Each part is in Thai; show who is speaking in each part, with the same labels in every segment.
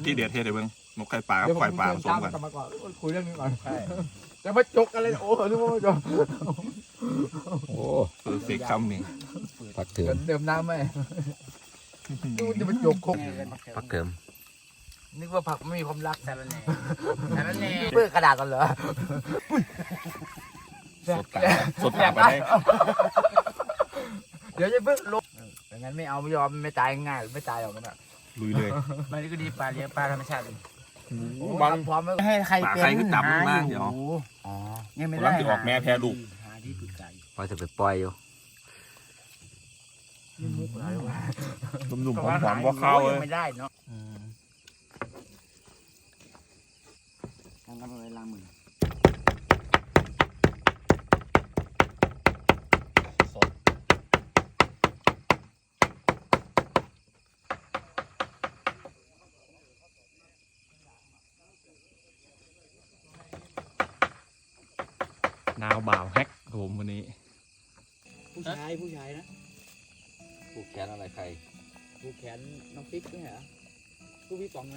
Speaker 1: ที่เด็ดเทศเดี๋ยวเบิ้งนกไข่ปลากับไข่ปลาผสมกัน
Speaker 2: มาก่อนคุยเรื่องนี้ก่อนจะมาจกอะไรโอ้นึกว่าจก
Speaker 3: โอ้
Speaker 1: เพอร์เฟกต์คำนี่
Speaker 3: ผักเถิม
Speaker 2: เดิมน้ำไหมดูจะมาจกคก
Speaker 3: ผักเถิม
Speaker 2: นึกว่าผักไม่มีความรักแต่ละแหน่แต่ละแหน่เปื้อนกระดาษกันเหรอ
Speaker 1: สดตาไปได้
Speaker 2: เดี๋ยวจะเพิ่งลบไม่งั้นไม่เอาไม่ยอมไม่ตายง่ายไม่ตายหรอกมันอ่ะ
Speaker 1: ลุยเลย
Speaker 2: มันก็ดีปลาเลี้ยงปลาธรรมชาติ
Speaker 1: บาง
Speaker 2: พร้อมให้ใคร
Speaker 1: ปลา
Speaker 2: เป็น
Speaker 1: ไข่ขึ้นต่ำมากเดี๋ยว
Speaker 2: อ๋อยังไม่
Speaker 1: กำ
Speaker 2: ได้
Speaker 1: ลังจะออกแม่แพ้ลูก
Speaker 2: หาที่ปรึกษา
Speaker 3: พอจะไปปล่อยอยู่
Speaker 2: มุกอะไรวะ
Speaker 1: หนุ่มๆหอมๆก็เข้าเลย
Speaker 2: ไม่ได้เนาะทำกันไปล้างมือ
Speaker 1: นาวบ่าวแฮกผมวันนี้
Speaker 2: ผู้ชายนะ
Speaker 3: ผูกแขนอะไรใคร
Speaker 2: ผูกแขนน้องปิ๊กด้วยเหรอผู้พี่ป๋องไหม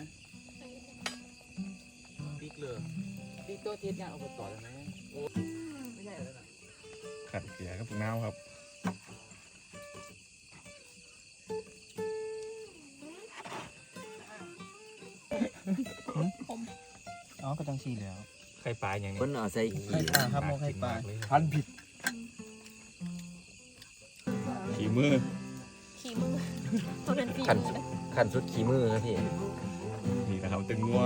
Speaker 2: ปิ๊กเลยปิ๊กตัวเทียนงานเอาไปต่อได้ไหมโอ้ไม่ใช่แล้วนะ
Speaker 1: ขัดเกียร์กับนาวครับ
Speaker 2: อ๋อก็จังสีแล้ว
Speaker 1: ไข่ปลาอย่างนี้
Speaker 3: คนเอาใส่ขี้
Speaker 2: ครับโมไข่ปลาพันผิด
Speaker 1: ขี่มือ
Speaker 4: ขี่มือมันเป็นฝี
Speaker 3: ขัน
Speaker 4: มือ
Speaker 3: ขันสุดขี้มือครับพี่
Speaker 1: นี่นะครับตึงงัว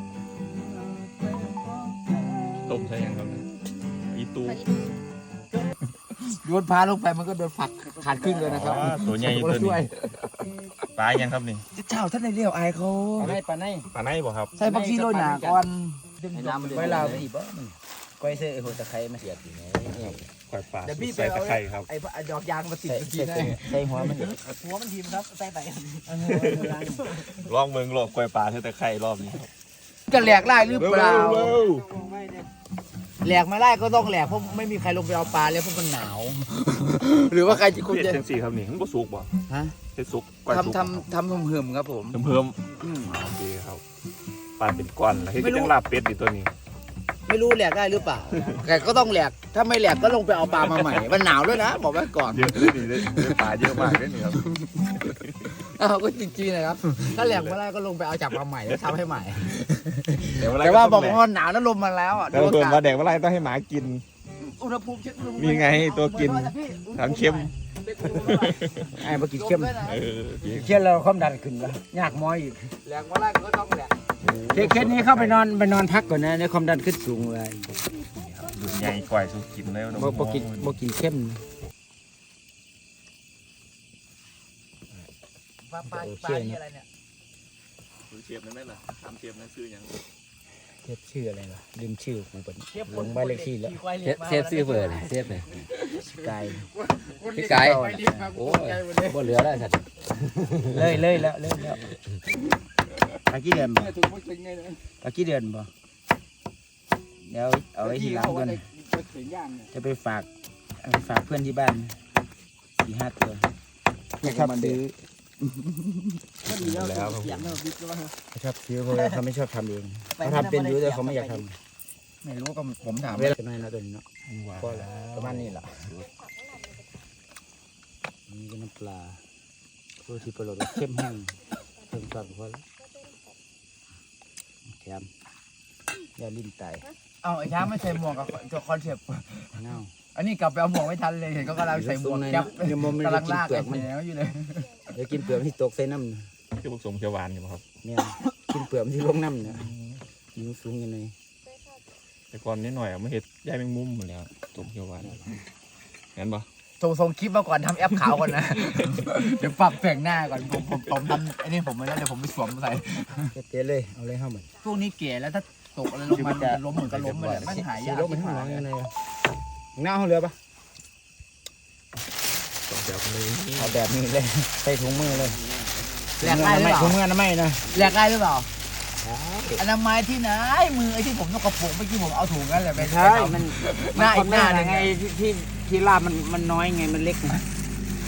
Speaker 1: ต้มใช่ยังครับอีตู
Speaker 2: โยนพาลงไปมันก็โดนฝักขาดครึ่งเลยนะครับ
Speaker 1: ตัวใหญ่ตัวนี้ปลายังครับนี่
Speaker 2: เจ้าท่านในเลี้ยวอายเขา
Speaker 3: ปลาในปลาใน
Speaker 1: ปลาไหนบ่ครับ
Speaker 2: ใส่บักซีโรยหนาก่อน
Speaker 3: ไอ้น้ำมัน
Speaker 2: ไว้ลาว
Speaker 3: อีบ่มันก้อยเสื้อไอ้หัวตะไคร้มาเสียบอยู่ไหน
Speaker 1: ไข่ปลา
Speaker 2: เดี๋ยวพี่ไป
Speaker 1: ใส่
Speaker 2: เอา
Speaker 1: ตะไคร้ครับ
Speaker 2: ไอ้ดอกยางมาติด
Speaker 3: ใส่
Speaker 2: ตะกี้
Speaker 3: ใส่
Speaker 2: ได้
Speaker 3: ใส่หัวมัน
Speaker 2: หัวมันทีมครับใส่ไป
Speaker 1: ลองเมืองหลอกไข่ปลาใส่ตะไคร้รอบนี้ครับ
Speaker 2: จะแหลกไล่หรือเปล่า
Speaker 1: เร็ว
Speaker 2: แหลกไม่ไล่ก็ต้องแหลกเพราะไม่มีใครลงไปเอาปลาแล้วเพราะมันหนาว หรือว่าใครจะ
Speaker 1: ๆ
Speaker 2: คุณ
Speaker 1: เฮ็ด
Speaker 2: จะ
Speaker 1: จังซี่ครับนี่มันบ่สุกบ่
Speaker 2: ฮะ
Speaker 1: เฮ็ดสุกก้อยสุก
Speaker 2: ทำเหิมๆครับผม
Speaker 1: เพิ่มโอเคครับปลาเป็นก้อนแล้วเฮ็ดจังลาบเป็ดดิตัวนี้
Speaker 2: ไม่รู้แหลกได้หรือเปล่า แต่ก็ต้องแหลก ถ้าไม่แหลกก็ลงไปเอาปลามาใหม่ มันหนาวด้วยนะ บอกไว้ก่อน
Speaker 1: เยอะเลยนี่ได้ปลาเยอะมากเลยนี่ครับ
Speaker 2: เอาก็จริงๆนะครับ ถ้าแหลกไม่ได้ก็ลงไปเอาจับมาใหม่แล้วทำให้ใหม่
Speaker 1: แต่
Speaker 2: แต่ว่าบอกว่าหนาวแล้วลมมาแล้วอ่ะ
Speaker 1: แต่ว่าเพิ่มว่าแดงว่าไรต้องให้หมากิน
Speaker 2: อุณหภูมิเช็คอุณหภูมิ
Speaker 1: นี่ไงตัวกินทั้งเข้ม
Speaker 2: ไอ้มากินเข้ม
Speaker 1: เออ
Speaker 5: เชื่อเราความดันขึ้นละยากม้อยอีก
Speaker 2: แหลกมาได้ก็ต้องแหลก
Speaker 5: เคสนี้เข้าไปนอนพักก่อนนะในความดันขึ้นสูงเลย
Speaker 1: ดุใหญ่กว่าสุกินแล้ว
Speaker 5: บ่กินเข้ม
Speaker 2: ปลานี่อะไรเนี่ย
Speaker 1: เทียบนั่นไหมล่ะทำเทียบนั่นคืออย่าง
Speaker 5: เทียบชื่ออะไรล่ะลืมชื่อกูเป็นลงบ้านเลขที่แล้ว
Speaker 3: เซฟซื้อเบอร์เลยเซฟเลย
Speaker 5: ไกล
Speaker 3: พี่ไก่โอ้ยบ่เหลือแล้วสัตว์
Speaker 5: เลยแล้วตะกี้เดือนบ่ตะกี้เดือนบ่เดี๋ยวเอาไว้ทีหลังกันจะไปฝากเพื่อนที่บ้าน4-5 ตัวนะครับซื้อ
Speaker 1: แล้ว
Speaker 5: ชอบซื้อเพราะว่าเขาไม่ชอบทำเองเขาทำเป็นอยู่แต่เขาไม่อยากท
Speaker 2: ไม่รู้ก็ผมถาม
Speaker 5: ำเวลาจะไม่นะตัวนี้เนาะก็ประมาณนี้แหละนี่ก็น้ำปลาโรตีปลาโรดเข้มแห้งเพิ่มซอสพอแล้วแถมยาลิ้นไต
Speaker 2: เอาไอ้ช้างไม่ใส่หมวกกับคอนเซปต์
Speaker 5: เน่า
Speaker 2: อันนี้กลับไปเอาหมวกไม่ทันเลยเห็นก็กำลังใส่หมวกจับ
Speaker 5: เดี๋ยวมันไม่
Speaker 2: กำ
Speaker 5: ได้
Speaker 2: ลัง
Speaker 5: กิน
Speaker 2: ลาก
Speaker 5: เปลื
Speaker 2: ไอ้
Speaker 5: อกมัน
Speaker 2: แหนวอยู่เลย
Speaker 5: เดี๋ยวกินเปลือกที่ตกใส่น้ำ
Speaker 1: คือผสมเขียวหวานอยู่ครับ
Speaker 5: เนี่ยกินเปลือกที่ลงน้ำเนี่ยยิงสูงยังไง
Speaker 1: แต่ก่อนนิดหน่อยไม่เห็ดย่ายแมงมุมหมดแล้วผสมเขียวหวานงั้นปะ
Speaker 2: ส่งคลิปมาก่อนทำแอปขาวก่อนนะ เดี๋ยวปรับแต่งหน้าก่อนผมทำไอ้นี่ผมไม่ได้เดี๋ยวผมไปสวมใส่
Speaker 5: เจ๊เลยเอาเลยเข้ามา
Speaker 2: พวกนี้เก๋แล้วถ้าตกอะไรลงมาจะล้มเหมือนกับล้มเลยไม่หาย
Speaker 5: สี
Speaker 2: ยาก
Speaker 5: ลงมันข้างหลังยังไงหน้าเขาเรือปะ
Speaker 1: สองแบบนี้
Speaker 5: เอาแบบนี้เลยใส่ถุงมือเลย
Speaker 2: แหลกได้หรือเปล่า
Speaker 5: ถุงมือนะไม่นะ
Speaker 2: แหลกได้หรือเปล่าอนามัยที่ไหนมือไอ้ที่ผมต้องกระปุกเมื่อกี้ผมเอาถุงนั่นแหละไป
Speaker 5: ใช่มัน
Speaker 2: หน้าอีกหน้าหนึ่ง
Speaker 5: ไงที่ลาบมันน้อยไงมันเล็กไง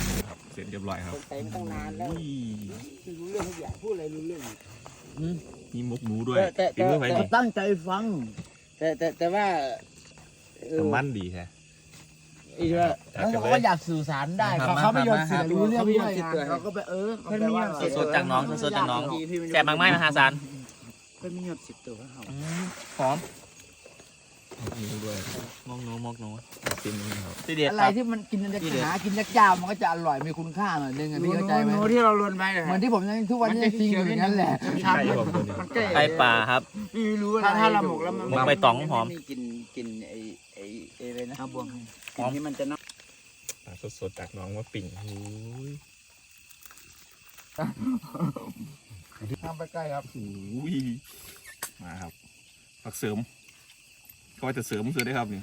Speaker 1: เสร็จเรียบร้อยครับ
Speaker 5: ใส่มาตั้งนานแล้วรู้เรื่องทุกอย่างพูดอะไรรู้เรื่อง
Speaker 1: มีมุกหมูด้วย
Speaker 5: แต่
Speaker 1: ฝีมือไผ่
Speaker 5: แต่
Speaker 1: นี่
Speaker 5: ตั้งใจฟัง แต่ว่า
Speaker 1: มันดีแท้
Speaker 5: อีกว่า
Speaker 2: แล้วเขาก็อยากสื่อสารได้เขาไม่ยอมสื่อรู้เรื่องด้วยเขาก็ไปเขาไม่ยอม
Speaker 6: สดๆจากน้องสดๆจากน้องแซ่บมากๆมหาศาล
Speaker 5: เพิ่นไม่ยอมสิบตัวเขา
Speaker 6: หอม
Speaker 1: มีด้วย
Speaker 6: มองโนมองโน
Speaker 1: ซิมนี่ครับ
Speaker 6: ที่เด็ด
Speaker 2: อะไรที่มันกินหากินยากๆมันก็จะอร่อยมีคุณค่าหน่อยนึงอ่ะพี่เข้าใจไหม
Speaker 5: โน้ที่เราลวนไป
Speaker 2: เหมือนที่ผมยังทุกวันนี้จริงอยู่อย่างนั้นแหละ
Speaker 1: ใช่ผมตัวนี้
Speaker 5: มันใกล้
Speaker 6: ไก่ป่าครับ
Speaker 5: ไม่รู้ถ้าเราหมกแล้วมัน
Speaker 6: หมกใบตองหอม
Speaker 5: กินไอ้อะไรนะบวง
Speaker 6: หอม
Speaker 5: ที่มันจะน้
Speaker 1: ปลาสดๆจากน้องว่าปิ่งโอ้ย
Speaker 2: ทำไปใกล้ครับ
Speaker 1: โอ้ยมาครับผักเสริมเขาว่าจะเสริมเสือได้ครับนี่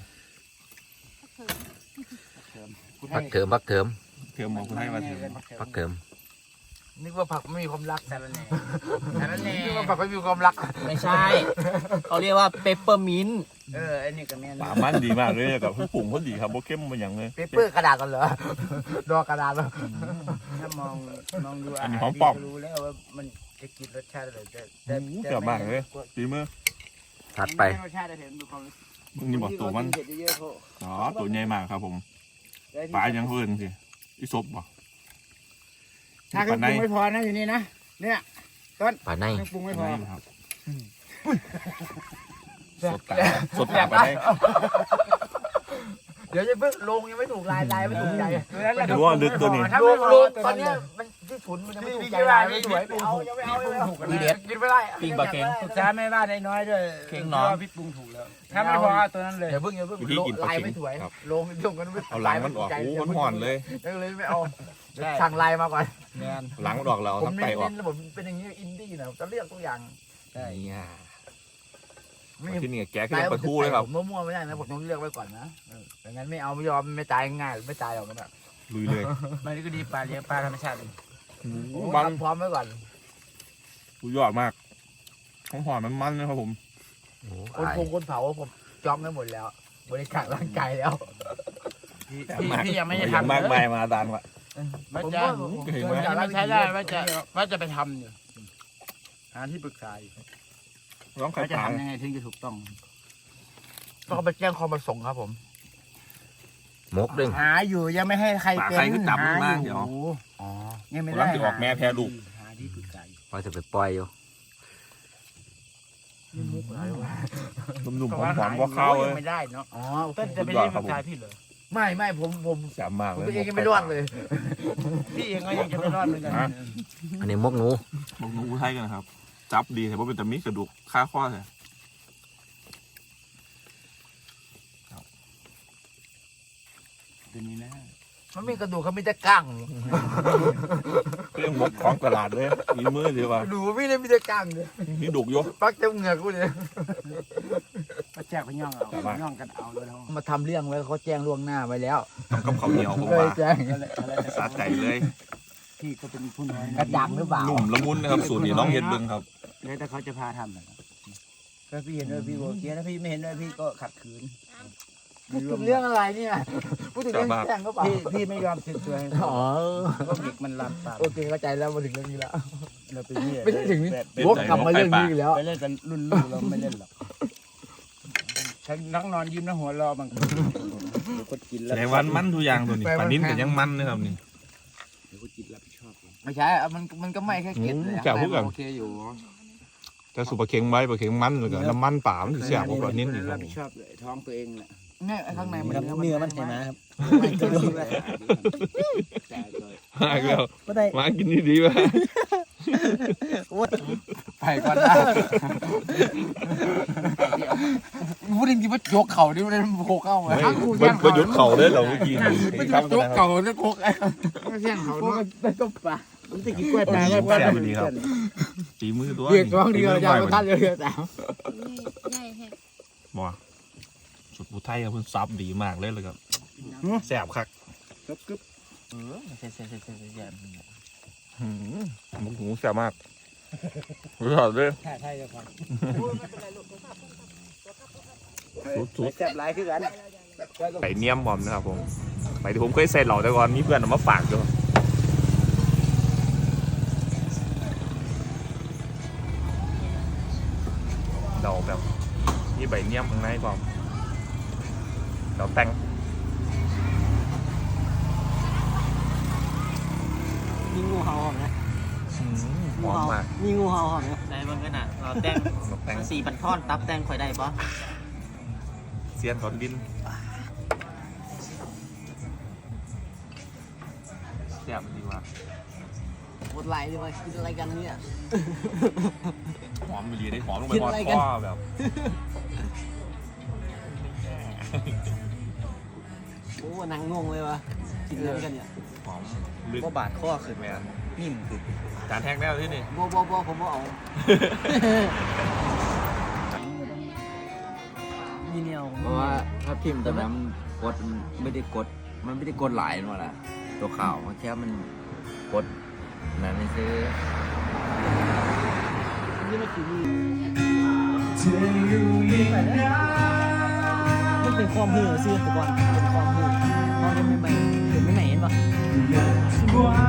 Speaker 3: พักเถิมพักเถิม
Speaker 1: เทอมมองคนให้มาเทอม
Speaker 3: พักเถิม
Speaker 2: นึกว่าผักไม่มีความรัก
Speaker 5: แต่ละแหน่แต่ละแหน่
Speaker 2: นึกว่าผักไม่มีความรัก
Speaker 6: ไม่ใช่ เขาเรียกว่าเปปเปอร์มินต์
Speaker 5: ไอ้นี่ก็แม่น
Speaker 1: ปลามันดีมากเลยกับผงเขาดีครับโบเข้มมันอย่างเลย
Speaker 2: เปเปอร์กระดาษกันเหรอดอกกระดาษเหรอ
Speaker 5: ถ้ามองดู
Speaker 1: อันนี้หอมปอก
Speaker 5: รู้แล้วว่ามันจะกินรสชาติอะไรแต่
Speaker 1: เกือบมากเลยดีมือ
Speaker 3: ถัดไป
Speaker 5: รสชาติได้เห็นดูความ
Speaker 1: มึงนี่บอกตัวมัน
Speaker 5: เผ็ดเยอะๆเขา
Speaker 1: อ๋อตัวใหญ่มากครับผมปลายังเพิ่นสิอีซบบ่
Speaker 5: ถ้าเครื่องปรุงไม่พอนะอยู่นี่นะเนี่ย
Speaker 3: ป่าใน
Speaker 5: เครื่องปรุงไม่พอ
Speaker 1: ครับสดปลาได้
Speaker 2: เดี๋ยวจะเพิ่งลงยังไม่ถูกลายไม่ถูกใจ
Speaker 1: ดูว่าลึกตัวนี้
Speaker 2: ลงตอนนี้มันที่ฉุนมันยังไม่ถูกใจลายไม่สวยไม่เอายังไม่เอาเลย
Speaker 6: ดีเด็ด
Speaker 2: กินไม่ได้
Speaker 6: ปิ้งปลาเค็ง
Speaker 5: ปรึกษาแม่บ้านได้น้อยด้วย
Speaker 6: เค็งหนอม
Speaker 5: พี่ปรุงถูกแล้ว ถ้าไม่พอเอาตัวนั้นเลย
Speaker 2: อย่าเพิ่งลายไม่สวยลงลงกันไม่
Speaker 1: เอาหลังมันออกโอ้มันห่อนเลย
Speaker 2: เลยไม่เอาสั่งลายมาก่อน
Speaker 5: แมน
Speaker 1: หลังมันออกแล้ว
Speaker 2: ผม
Speaker 1: น้ำไตออก
Speaker 2: เน้นผมเป็นอย่างนี้อินดี้นะจะเลือกทุกอย่าง
Speaker 1: นี่อ่ะ
Speaker 2: ไม่
Speaker 1: ที่นี่แกขึ้นปลาทูเลยครับ
Speaker 2: มั่วๆไม่ได้นะผมต้องเลือกไว้ก่อนนะไม่งั้นไม่เอาไม่ยอมไม่ตายง่ายไม่ตายหรอกนะ
Speaker 1: ลุยเลย
Speaker 5: มันก็ดีปลาเลี้ยงปลาธรรมชาติ
Speaker 1: มัน
Speaker 2: พร้อมไว้ก่อน
Speaker 1: สุดยอดมากของห่อนมันมันนะครับผม
Speaker 2: คนเผาผมจองได้หมดแล้ว บริการร่างกายแล้ว
Speaker 5: พี่ยังไม่ได้
Speaker 1: อย่าง
Speaker 5: ทำ
Speaker 1: มากมายมาดานวะ
Speaker 5: ว่าจะ
Speaker 1: เห็นไหม
Speaker 5: ไม่ใช้ได้ว่าจะไปทำอยู่หาที่ปรึกษาอยู่
Speaker 1: ร้องไข่
Speaker 5: ว่าจะ
Speaker 1: ปลา
Speaker 5: ทำยังไงถึงจะถูกต้อง
Speaker 2: ก็ไปแจ้งความประสงค์ครับผม
Speaker 3: มกดึง
Speaker 5: หาอยู่ยังไม่ให้ใคร
Speaker 1: ปลา
Speaker 5: เป็น
Speaker 1: ไข่ก็จับมันมา
Speaker 5: ห
Speaker 1: เดี๋ยว
Speaker 2: อ๋อ
Speaker 5: ยังไม่
Speaker 1: รั
Speaker 5: ได้
Speaker 1: บจะออกแม่แพ้ลูก
Speaker 5: หาที่ปรึกษาอยู่
Speaker 3: ว่าจะไปปล่อยอยู่
Speaker 1: หนุ่มๆหอมๆก็เข้าเลย
Speaker 5: ยังไม่ได้เนาะ
Speaker 2: อ๋อ
Speaker 5: ต้นจะไปเรียกปรึกษาพี่เหรอ
Speaker 2: ไม่ผม
Speaker 1: แซ่บมาก
Speaker 2: ผม
Speaker 1: เลย
Speaker 2: ตัวเองยังไม่รอดเลย
Speaker 5: พี่เองก็ยังจะไม่รอดเหมือนกัน
Speaker 3: อันนี้มกหนู
Speaker 1: บอกหนูไทยกันนะครับ จับดีแต่ว่าเป็นแต่มีกระดูกค่าข้อเลย
Speaker 5: ตัวนี้นะ
Speaker 2: มันมีกระดูกเขามีแต่ก้าง
Speaker 1: เรื่องมกของตลาดเลยมีมือดีว่า
Speaker 2: ดูพี่เลยมีแต่ก้างเลย
Speaker 1: มีดุกอยู่
Speaker 2: ปักเต็มเหงือกกูเลย
Speaker 5: มาแจกไปย่องเอาย่องกันเอาเลยเนาะ
Speaker 2: มาทำเรื่องไว้เขาแจ้งล่วงหน้าไว้แล้ว
Speaker 1: ทำกับข้าวเหนียวผม
Speaker 2: เคย
Speaker 1: ว่า
Speaker 2: แจ้ง
Speaker 1: สาใจเลย
Speaker 5: พี่ก็เป็นผู้น้อย
Speaker 2: กระดังหรือเปล่า
Speaker 1: นุ่มละมุนนะครับสูตรนี้น้องเฮ็ดเบิ่งครับ
Speaker 5: แล้วแต่เขาจะพาทำนะถ้าพี่เห็นด้วยพี่โอเคถ้าพี่ไม่เห็นด้วยพี่ก็ขัดขืน
Speaker 2: พูดถึงเรื่องอะไรเนี่ยพูดถึงเรื่องแจ้งก็เปล่า
Speaker 5: พี่ไม่ยอมสึกตัวให้
Speaker 2: อ๋อ
Speaker 5: ก็เด็กมันลามปาม
Speaker 2: โอเคเข้าใจแล้วมาถึงเรื่องนี้แล้ว
Speaker 5: เราไปเนี่ย
Speaker 2: ไม่ใช่ถึงนี้วกกลับมาเรื่องนี้อีกแล้ว
Speaker 5: ไปเล่นกันรุ่นลูกเราไม่เล่นหรอกฉันนั่งนอนยิ้มแล้วหัวเราะบางคนเดี๋ยวก็กินแล้ว
Speaker 1: แต่วันมันทุกอย่างตัวนี้ปลานิ้นก็ยังมันนะครับนี่
Speaker 5: เดี๋ยวก็กินรับผิดชอบ
Speaker 2: ไม่ใช่มันก็ไม่แค่เก็บเลย
Speaker 1: แก้วพวกกัน
Speaker 2: โอเคอยู่
Speaker 1: จะสูบปลาเค็งไว้ปลาเค็งมันแล้วก็น้ำมันป่ามันสิแซ่บกว่าปลานิ้นอีกค
Speaker 5: รั
Speaker 1: รั
Speaker 5: บบ ผิดชอบเลยท้องตัวเองแหละ
Speaker 2: เนี่ยข้างในมัน
Speaker 5: เนื้อมันใช่ไหมครับ
Speaker 1: มาอีกแล้ว
Speaker 5: ก็ได้
Speaker 1: มากินดีๆวะ
Speaker 2: ไปก่อนนะพูดจริงๆว่ายกเข่าดิมันโคกเข้าไง
Speaker 1: ไม่หยุดเข่าเลยเหรอเมื่อกี้
Speaker 2: ไม่ยกเข่าแล้วโคกไอ้
Speaker 5: ไม่ใช่เขาเนาะมันก็ปลามันจะกินกล้วยปลา
Speaker 1: ตีมือตัว
Speaker 2: เรียกร้องเดียวจะมาทันเลยแต่
Speaker 4: ใหญ่แฮะ
Speaker 1: บ่สุดผู้ไทยเพิ่นซับดีมากเลยครับแซ่บคัก
Speaker 5: กึ๊บ
Speaker 6: ใช่
Speaker 1: หมูหูแซ่บมากรู้สึกเลย
Speaker 5: ใช่จะฟัง
Speaker 1: สุด
Speaker 5: แซ่บหลายคือกัน
Speaker 1: ๆใส่เนียมผมนะครับผมไปที่ผมเคยใส่เหล่าแต่ก่อนมีเพื่อนเอามาฝากด้วยเราแบบนี่ใบเนียมข้างในก่อนเราแต่ง
Speaker 6: มีงูเห่าหอมนะ
Speaker 1: หอมมาก
Speaker 6: มีงูเห่าหอมนะในบางกันอ่ะเราแต่ง
Speaker 1: แต่ง
Speaker 6: สีบันท่อนตับแต่งข่อยได้ปะ
Speaker 1: เสียนถอนดินแซ่บดีว่ะ
Speaker 6: หมดไหลเลยว่ากินอะไรกันเนี่ย
Speaker 1: หอมไปเลยได้หอมลงไป
Speaker 6: กิน
Speaker 1: หอ
Speaker 6: อะไร
Speaker 1: ด
Speaker 6: กัน
Speaker 1: คอแบบ
Speaker 6: โอ้นางงงเลยวะกินอะไรกันเนี่ย
Speaker 1: หอมลึก
Speaker 6: ว่าบาดข้อขึ้นไหมนิ่มขึ้น
Speaker 1: จานแห้งแล้วที่นี่
Speaker 6: บ่ผมบ่เอามีแนว
Speaker 3: เพราะว่าถ้าพิมพ์ตัวนั้นกดมันไม่ได้กดหลายนั่นแหละตัวข่าวมันแค่มันกดนั่นนี่คือ
Speaker 6: นี่มันคือมันเป็นความหื่อซื้อแต่ก่อนเป็นความหื่อตอนเป็นใหม่ๆเป็นใหม่ๆเห็นปะ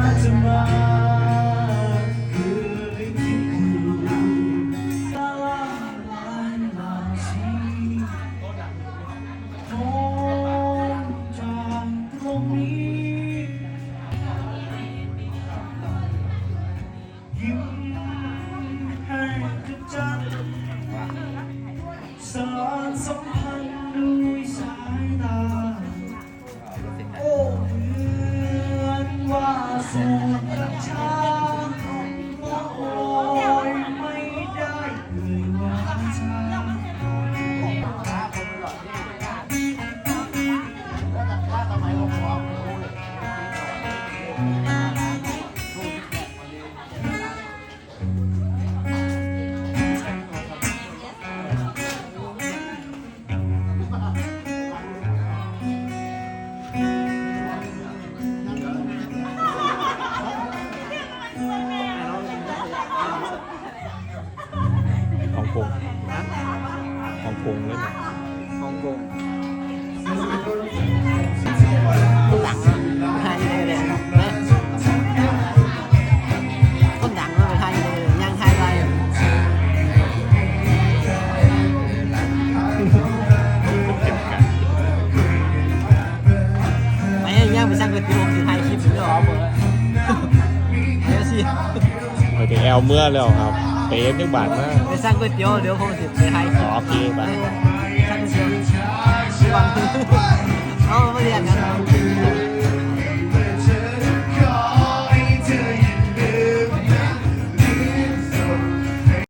Speaker 1: ฮ่องกงฮ่องกงเลยนะ
Speaker 6: ฮ่องกงหลังไทยเลยนะคนดังมาไทยเลยย่างไทยไปไม่ย่างไปสร้างก๋วยเตี๋ยวที่ไทยคลิปหรอหมดเลยเฮ้ยสิ
Speaker 1: ไปถึงแอลเมื่อแล้วครับเป๊ะนึกบาทมาก
Speaker 6: ไปสร้างก๋วยเตี๋ยวเดี๋ยวผมจะไปไทยคลิป
Speaker 1: โอเคไป
Speaker 6: สร้างก๋วยเตี๋ยววันเอาไม่เรียนกัน